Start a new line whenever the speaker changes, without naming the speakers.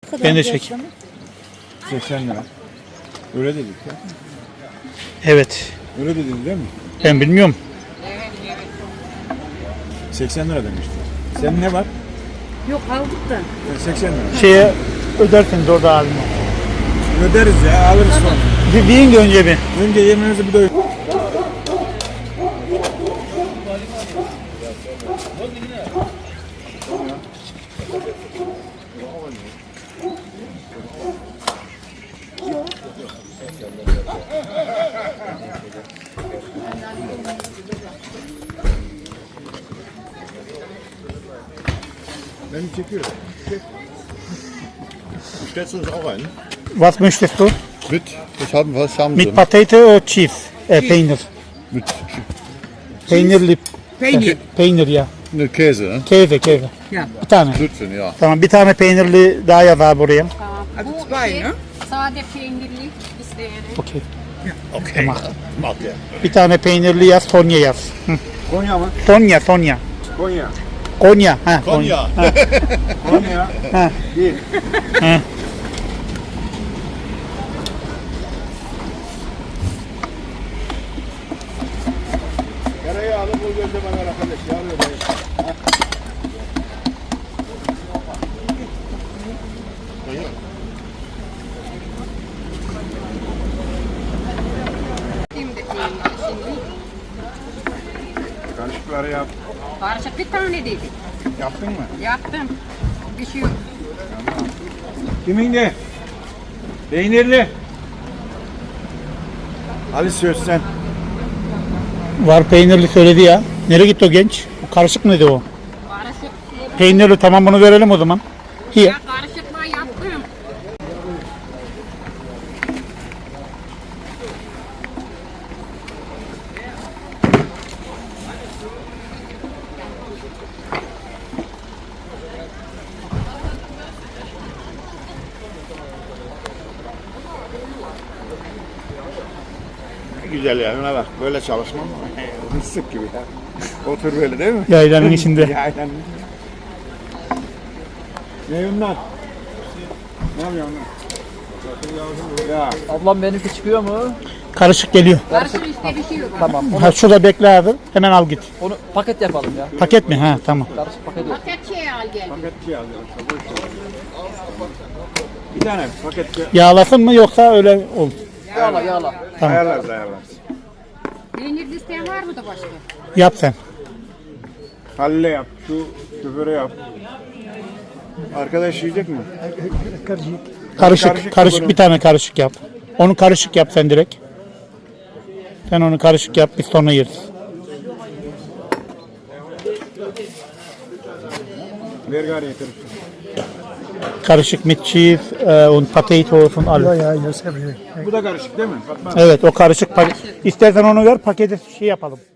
Ben de çek.
80 lira. Öyle dedik ya.
Evet.
Öyle dedin değil mi?
Ben bilmiyorum.
80 lira demişti. Senin ne var?
Yok aldık da.
80 lira.
Şeye ödersiniz orada abime.
Öderiz ya, alırız sonra.
Bir deyin de önce bir.
Önce yemeğinizi bir doyur. Ben çekiyorum.
Stellst du uns auch ein?
Was möchtest du?
Was haben Sie?
Mit Potato oder Cheese? Peynir.
Mit
Peynirli.
Peynir.
Peynir ya.
ne, Käse, ne?
Käse.
Ja.
Bir tane.
Lütfen, ja.
Tamam, bir tane peynirli daha yaz abi buraya.
Also zwei, ne?
Sade peynirli isteyerek.
Okey.
Okay, macht er.
Bir tane peynirli yaz, Sonya yaz.
Konya mı?
Sonya, Sonya.
Konya.
Konya. Ha,
Konya.
Konya.
Ha.
Değil.
Ha.
Yarayı alıp o gözle bakar arkadaş. Yarıyor dayı.
Şimdi peynirli şimdi.
Karışıkları yap.
Karışık bir tane dedik.
Yaptın mı?
Yaptım. Bir şey yok.
Kimin de? Peynirli. Ali söz sen.
Var peynirli söyledi ya. Nereye gitti o genç? O karışık mıydı o?
Karışık.
Peynirli, tamam, bunu verelim o zaman. Here.
Ya karışıkla yaptım.
Güzel ya, ona bak. Böyle çalışmam mı? Mısık gibi ya. Otur böyle değil mi?
Yaylanın içinde.
Yaylanın. Ne bunlar? Ne yapıyorsun lan? Ya.
Ablam benimki çıkıyor mu?
Karışık geliyor.
Karışık işte bir şey yok.
Tamam.
Ha, şurada bekle abi. Hemen al git.
Onu paket yapalım ya.
Paket mi? Ha, tamam.
Karışık paket yok.
Paket şey al gel.
Paket şey alacağım. Boş ver. Bir tane paket şey.
Yağlasın mı yoksa öyle ol?
Yağla yağla.
Tamam.
Ayarlarız.
Peynirli isteyen var mı da başka?
Yap sen.
Halil'e yap. Şu şoföre yap. Arkadaş yiyecek mi?
Karışık, karışık bir tane karışık yap. Onu karışık yap sen direkt. Sen onu karışık yap, biz sonra yeriz.
Ver gari getir.
Karışık mit cheese und potato und alles.
Bu da karışık değil mi? Fatma.
Evet, o karışık. İstersen onu ver, paketi şey yapalım.